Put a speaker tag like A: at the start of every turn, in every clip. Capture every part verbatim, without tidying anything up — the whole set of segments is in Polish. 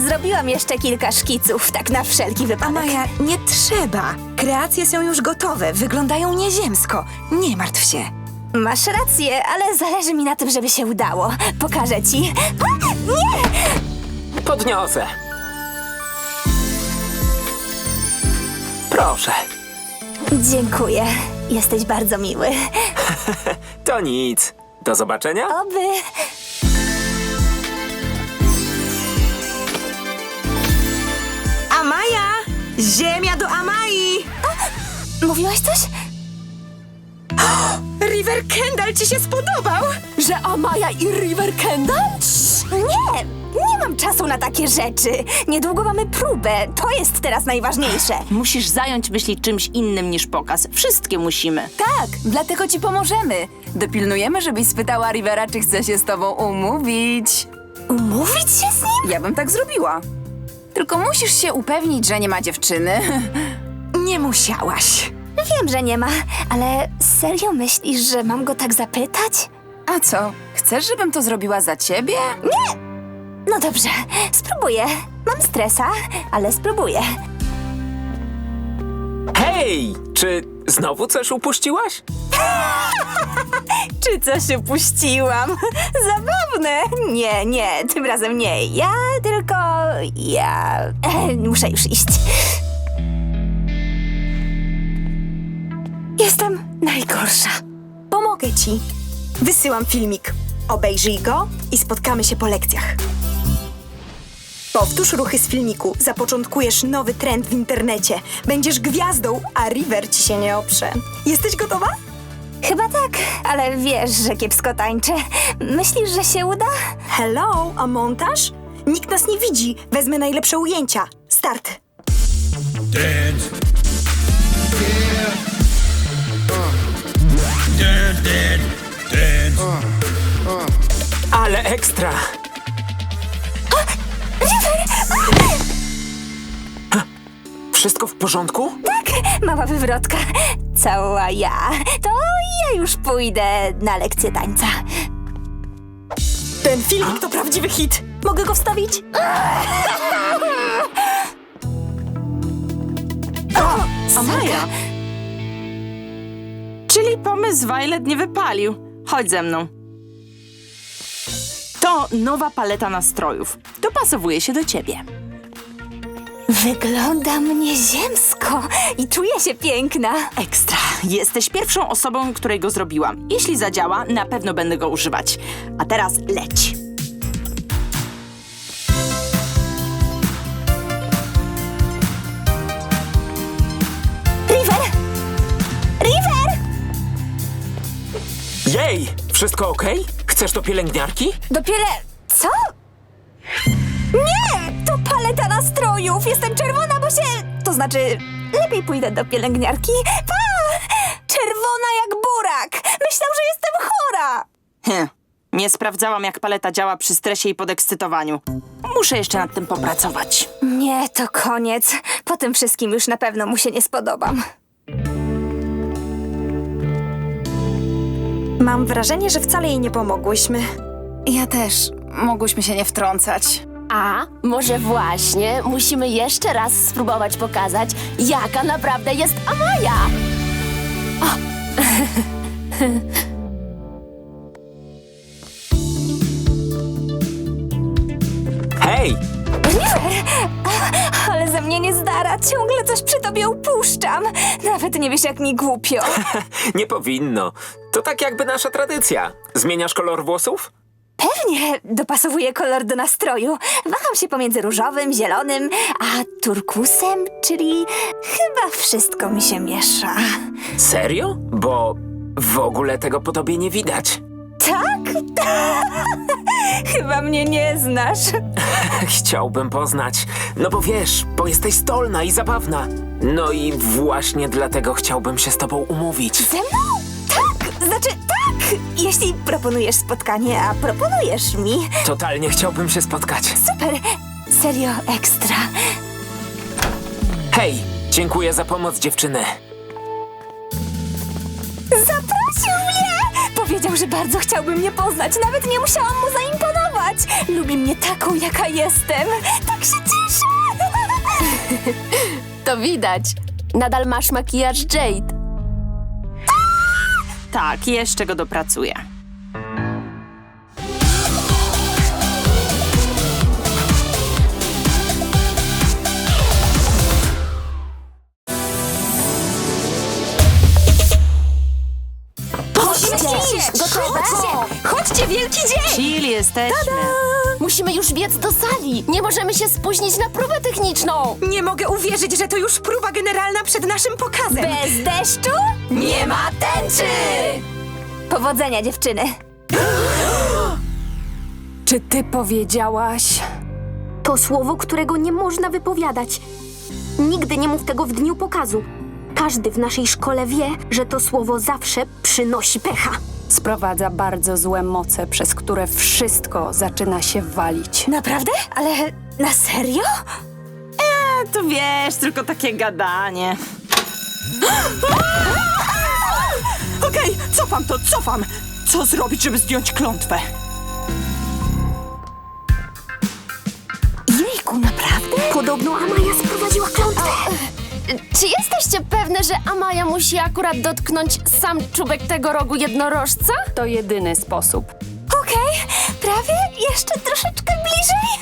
A: Zrobiłam jeszcze kilka szkiców, tak na wszelki wypadek.
B: Maja, nie trzeba. Kreacje są już gotowe, wyglądają nieziemsko. Nie martw się.
A: Masz rację, ale zależy mi na tym, żeby się udało. Pokażę ci. A, nie!
C: Podniosę. Proszę.
A: Dziękuję. Jesteś bardzo miły.
C: To nic. Do zobaczenia.
A: Oby.
B: Amaja! Ziemia do Amai!
A: Mówiłaś coś?
B: River Kendall ci się spodobał?
A: Że Amaya i River Kendall? Nie! Nie mam czasu na takie rzeczy. Niedługo mamy próbę. To jest teraz najważniejsze.
D: Musisz zająć myśli czymś innym niż pokaz. Wszystkie musimy.
E: Tak, dlatego ci pomożemy. Dopilnujemy, żebyś spytała Rivera, czy chce się z tobą umówić.
A: Umówić się z nim?
E: Ja bym tak zrobiła. Tylko musisz się upewnić, że nie ma dziewczyny.
B: Nie musiałaś.
A: Wiem, że nie ma, ale serio myślisz, że mam go tak zapytać?
E: A co, chcesz, żebym to zrobiła za ciebie?
A: No dobrze, spróbuję. Mam stresa, ale spróbuję.
C: Hej! Czy znowu coś upuściłaś?
A: Czy coś upuściłam? Zabawne. Nie, nie, tym razem nie. Ja tylko... ja... E, muszę już iść. Jestem najgorsza.
B: Pomogę ci. Wysyłam filmik. Obejrzyj go i spotkamy się po lekcjach. Powtórz ruchy z filmiku. Zapoczątkujesz nowy trend w internecie. Będziesz gwiazdą, a River ci się nie oprze. Jesteś gotowa?
A: Chyba tak, ale wiesz, że kiepsko tańczę. Myślisz, że się uda?
B: Hello, a montaż? Nikt nas nie widzi. Wezmę najlepsze ujęcia. Start.
F: Dance. Yeah. Uh. Dance, dance, dance. Uh. Uh.
C: Ale ekstra! Ha, wszystko w porządku?
A: Tak, mała wywrotka. Cała ja. To ja już pójdę na lekcję tańca.
B: Ten filmik to prawdziwy hit. Mogę go wstawić?
D: Amaja! Czyli pomysł Violet nie wypalił. Chodź ze mną. To nowa paleta nastrojów. Dopasowuje się do ciebie.
A: Wyglądam nieziemsko i czuję się piękna.
D: Ekstra. Jesteś pierwszą osobą, której go zrobiłam. Jeśli zadziała, na pewno będę go używać. A teraz leć.
A: River! River!
C: Jej! Wszystko okej? Chcesz do pielęgniarki?
A: Dopiero... co? Nie! To paleta nastrojów! Jestem czerwona, bo się... To znaczy, lepiej pójdę do pielęgniarki. Pa! Czerwona jak burak! Myślał, że jestem chora!
D: Hm. Nie sprawdzałam, jak paleta działa przy stresie i podekscytowaniu. Muszę jeszcze nad tym popracować.
A: Nie, to koniec. Po tym wszystkim już na pewno mu się nie spodobam.
B: Mam wrażenie, że wcale jej nie pomogłyśmy.
E: Ja też. Mogłyśmy się nie wtrącać.
G: A może właśnie musimy jeszcze raz spróbować pokazać, jaka naprawdę jest Amaya.
C: Hej!
A: Ale ze mnie nie zdara. Ciągle coś przy tobie upuszczam. Nawet nie wiesz, jak mi głupio.
C: Nie powinno. To tak jakby nasza tradycja. Zmieniasz kolor włosów?
A: Pewnie dopasowuję kolor do nastroju. Waham się pomiędzy różowym, zielonym, a turkusem, czyli chyba wszystko mi się miesza.
C: Serio? Bo w ogóle tego po tobie nie widać.
A: Tak? Chyba mnie nie znasz.
C: Chciałbym poznać. No bo wiesz, bo jesteś stolna i zabawna. No i właśnie dlatego chciałbym się z tobą umówić.
A: Ze mną? Tak! Znaczy tak! Jeśli proponujesz spotkanie, a proponujesz mi.
C: Totalnie chciałbym się spotkać.
A: Super! Serio ekstra.
C: Hej, dziękuję za pomoc, dziewczyny.
A: Zaprosił mnie! Powie, powiedział, że bardzo chciałby mnie poznać. Nawet nie musiałam mu zaimponować. Lubi mnie taką, jaka jestem. Tak się cieszę.
G: To widać. Nadal masz makijaż Jade.
D: Tak, jeszcze go dopracuję.
A: Chodźcie,
G: Gotowe?
A: Chodźcie, wielki dzień.
D: Chill, jesteśmy.
G: Musimy już biec do sali. Nie możemy się spóźnić na próbę techniczną.
B: Nie mogę uwierzyć, że to już próba generalna przed naszym pokazem.
A: Bez deszczu nie ma tęczy. Powodzenia, dziewczyny.
E: Czy ty powiedziałaś?
H: To słowo, którego nie można wypowiadać. Nigdy nie mów tego w dniu pokazu. Każdy w naszej szkole wie, że to słowo zawsze przynosi pecha.
E: Sprowadza bardzo złe moce, przez które wszystko zaczyna się walić.
A: Naprawdę? Ale na serio?
D: E, to wiesz, tylko takie gadanie. Okej, cofam to, cofam. Co zrobić, żeby zdjąć klątwę?
A: Jejku, naprawdę?
H: Podobno Amaja sprowadziła klątwę.
G: Czy jesteście pewne, że Amaja musi akurat dotknąć sam czubek tego rogu jednorożca?
E: To jedyny sposób.
A: Okej, prawie. Jeszcze troszeczkę bliżej.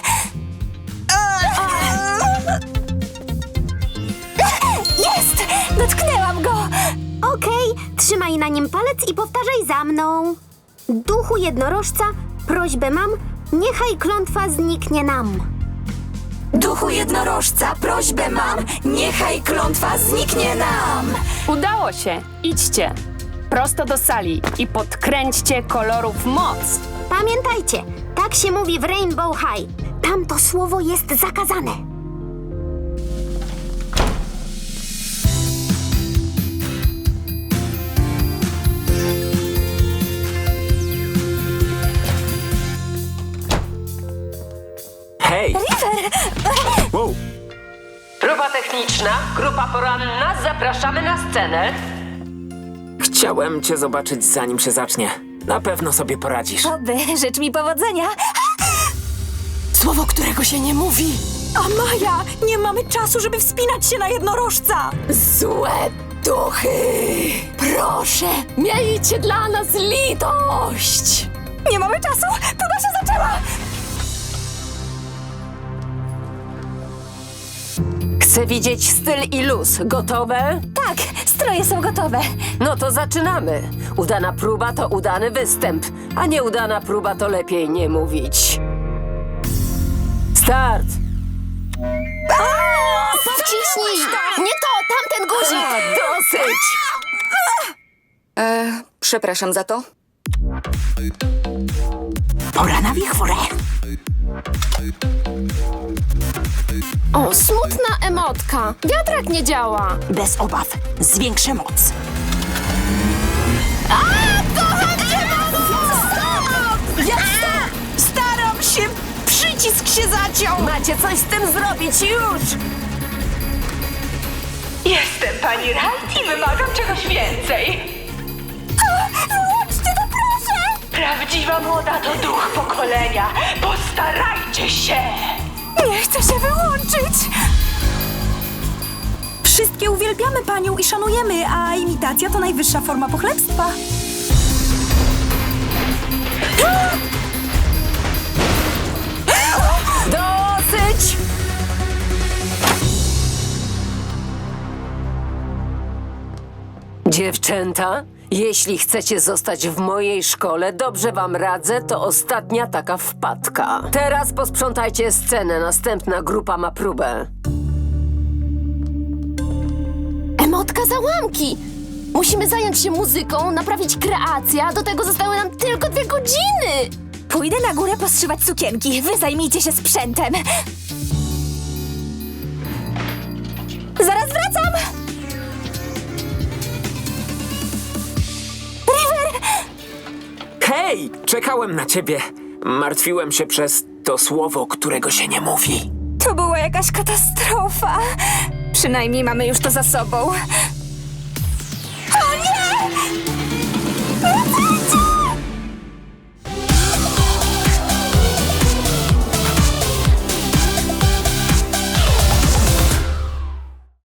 A: Jest! Dotknęłam go.
H: Okej, trzymaj na nim palec i powtarzaj za mną. Duchu jednorożca, prośbę mam, niechaj klątwa zniknie nam.
A: Duchu jednorożca, prośbę mam. Niechaj klątwa zniknie nam.
E: Udało się! Idźcie! Prosto do sali i podkręćcie kolorów moc!
H: Pamiętajcie, tak się mówi w Rainbow High. Tam to słowo jest zakazane.
C: Hej! Wow.
I: Próba techniczna, grupa poranna, zapraszamy na scenę.
C: Chciałem cię zobaczyć, zanim się zacznie. Na pewno sobie poradzisz.
A: Oby, życz mi powodzenia.
B: Słowo, którego się nie mówi. Amaja, nie mamy czasu, żeby wspinać się na jednorożca.
G: Złe duchy! Proszę, miejcie dla nas litość!
A: Nie mamy czasu. Próba się zaczęła.
I: Chcę widzieć styl i luz. Gotowe?
A: Tak, stroje są gotowe.
I: No to zaczynamy. Udana próba to udany występ, a nieudana próba to lepiej nie mówić. Start!
G: Wciśnij! Nie to, tamten guzik!
I: A, dosyć!
E: Przepraszam za to.
D: Pora na wichurę.
G: O, smutna emotka. Wiatrak nie działa.
D: Bez obaw, zwiększę moc. Ja staram się! Przycisk się zaciął!
I: Macie coś z tym zrobić już!
J: Jestem pani Wright i wymagam czegoś więcej.
A: Wyłączcie to, proszę.
J: Prawdziwa moda to duch pokolenia. Postarajcie się!
A: Nie chcę się wyłączyć.
B: Wszystkie uwielbiamy panią i szanujemy, a imitacja to najwyższa forma pochlebstwa.
I: Dosyć! Dziewczęta, jeśli chcecie zostać w mojej szkole, dobrze wam radzę, to ostatnia taka wpadka. Teraz posprzątajcie scenę, następna grupa ma próbę.
G: Emotka załamki! Musimy zająć się muzyką, naprawić kreację, a do tego zostały nam tylko dwie godziny!
A: Pójdę na górę postrzywać sukienki. Wy zajmijcie się sprzętem. Zaraz wracam. River!
C: Hej! Czekałem na ciebie. Martwiłem się przez to słowo, którego się nie mówi.
A: To była jakaś katastrofa. Przynajmniej mamy już to za sobą.